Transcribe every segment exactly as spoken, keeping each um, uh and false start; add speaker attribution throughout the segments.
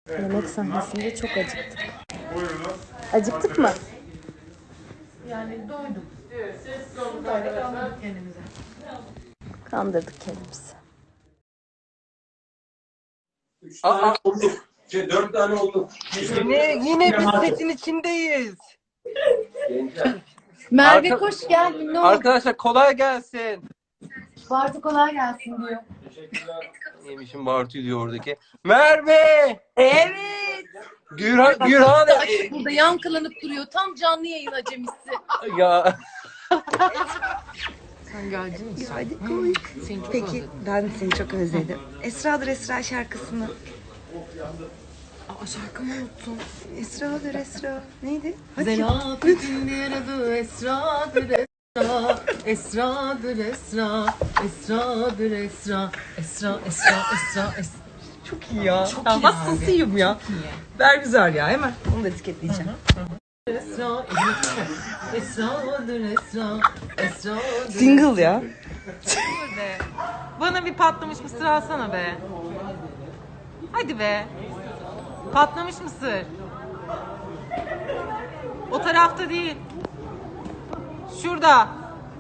Speaker 1: Yemek sahnesinde çok acıktık. Acıktık mı?
Speaker 2: Yani doyduk. Doyduk, kandırdık kendimize.
Speaker 1: Kandırdık kendimizi.
Speaker 3: Üç tane olduk. Şey, dört tane olduk.
Speaker 4: Yine, yine biz setin içindeyiz.
Speaker 2: Merve
Speaker 4: Arka-
Speaker 2: koş gel. Ne oldu?
Speaker 4: Arkadaşlar kolay gelsin.
Speaker 2: Bartu kolay gelsin diyor.
Speaker 4: Yemişim Bartu diyor oradaki. Merve! Evet. Gürhan, Gürhan.
Speaker 2: Açık burada yankılanıp duruyor. Tam canlı yayın acemisi.
Speaker 4: Ya.
Speaker 2: Sen geldin mi?
Speaker 5: Hadi koy.
Speaker 2: Seni çok
Speaker 5: Peki
Speaker 2: özledim.
Speaker 5: ben seni çok özledim. Esra'dır Esra şarkısını.
Speaker 2: Aa, şarkımı unuttum.
Speaker 5: Esra'dır Esra. Neydi? Hadi.
Speaker 2: Zelafetin bir adı Esra'dır Esra. Esra'dır Esra. Esra'dır Esra. Esra, Esra, Esra, Esra.
Speaker 5: Çok iyi ya.
Speaker 2: Çok
Speaker 5: ya
Speaker 2: iyi
Speaker 5: hastasıyım ya.
Speaker 2: Çok iyi.
Speaker 5: Ver güzel ya hemen. Onu da etiketleyeceğim.
Speaker 2: Esra, Esra'dır Esra. Esra'dır
Speaker 5: Single ya.
Speaker 6: Be. Bana bir patlamış mısır alsana be. Hadi be. Patlamış mısır. O tarafta değil. Şurada.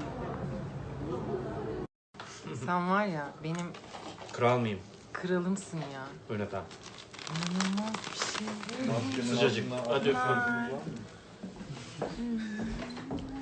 Speaker 6: Sen var ya benim
Speaker 7: Kral mıyım?
Speaker 6: kralımsın ya.
Speaker 7: Buyurun efendim.
Speaker 6: İnanılmaz bir şey.
Speaker 7: Sıcacık. Hadi öpüyorum.